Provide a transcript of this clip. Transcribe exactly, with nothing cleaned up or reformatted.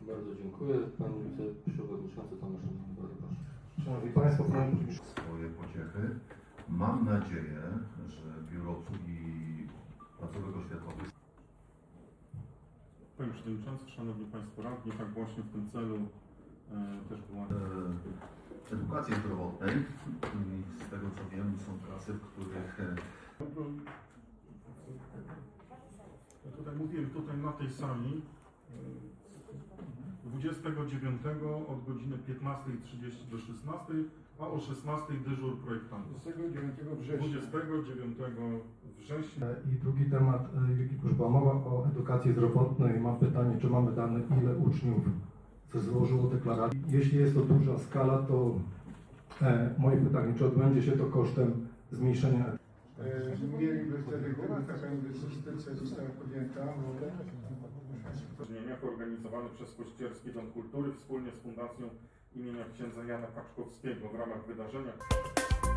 Bardzo dziękuję. Pan wiceprzewodniczący Tomasz Szanowny, bardzo proszę. Szanowni Państwo, swoje pociechy. Mam nadzieję, że Biuro Obsługi Placówek Oświatowych Panie Przewodniczący, Szanowni Państwo Radni, tak właśnie w tym celu e, też była... e, edukacji zdrowotnej i z tego co wiem są klasy, w których e, Ja tutaj mówiłem, tutaj na tej sali e, dwudziestego dziewiątego od godziny piętnastej trzydzieści do szesnastej, a o szesnastej dyżur projektantów. dwudziestego dziewiątego września. dwudziestego dziewiątego września. I drugi temat, jak już była mowa o edukacji zdrowotnej, mam pytanie, czy mamy dane, ile uczniów złożyło deklarację. Jeśli jest to duża skala, to e, moje pytanie, czy odbędzie się to kosztem zmniejszenia? E, mieliby wtedy, gdyby taka inwestycja została podjęta. W organizowany przez Kościerski Dom Kultury wspólnie z Fundacją imienia księdza Jana Kaczkowskiego w ramach wydarzenia.